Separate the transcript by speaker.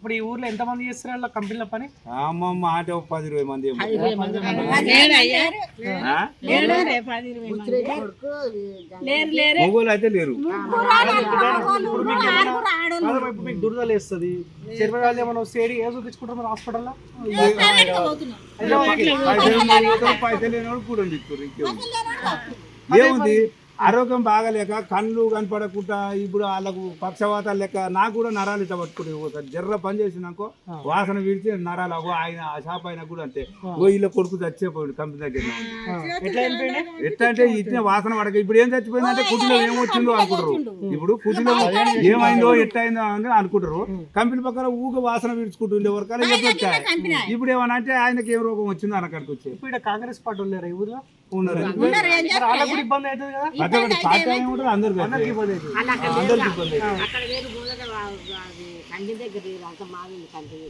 Speaker 1: ఇప్పుడు ఈ ఊర్లో ఎంత మంది చేస్తారు వాళ్ళ కంపెనీల పని?
Speaker 2: అమ్మమ్మ ఆట 10-20 మంది ఏమో. మొగోళ్ళు అయితే లేరు.
Speaker 1: ఇప్పుడు మీకు దురదలు వేస్తుంది, చర్మ వాళ్ళు ఏమైనా వస్తే ఏ చూపించుకుంటారు మరి హాస్పిటల్లో?
Speaker 2: పైసలు లేనివాడు కూడా ఏముంది, ఆరోగ్యం బాగాలేక కళ్ళు కనపడకుండా ఇప్పుడు వాళ్ళకు పక్షవాతాలు లెక్క నాకు కూడా నరాలు ఇట్లా పట్టుకుంటే పోతారు. జర్ర పని చేసినాకో వాసన విడిచి నరాలు ఆయన ఆ షాప్ అయినా కూడా అంతే. వీళ్ళ కొడుకు చచ్చిపోయాడు కంపెనీ దగ్గర. ఎట్లా అంటే ఇచ్చిన వాసన పడక ఇప్పుడు ఏం చచ్చిపోయిందంటే కుటీలో ఏమొచ్చిందో అనుకుంటారు. ఇప్పుడు కుటీలో ఏమైందో ఎట్లయిందో అని అనుకుంటారు. కంపెనీ పక్కన ఊగ వాసన విడుచుకుంటుండే వరకు చెప్పొచ్చాయి. ఇప్పుడు ఏమన్నా అంటే ఆయనకి ఏం రోగం వచ్చిందో అనక్కడికి వచ్చాయి.
Speaker 1: ఇప్పుడు కాంగ్రెస్ పార్టీ ఉన్నారు ఈ ఊర్లో
Speaker 2: ఉన్నారు.
Speaker 1: ఇబ్బంది అవుతుంది కదా,
Speaker 2: అందరికి ఇబ్బంది
Speaker 3: అక్కడ వేరు కంటి దగ్గర అంత మాది కంటి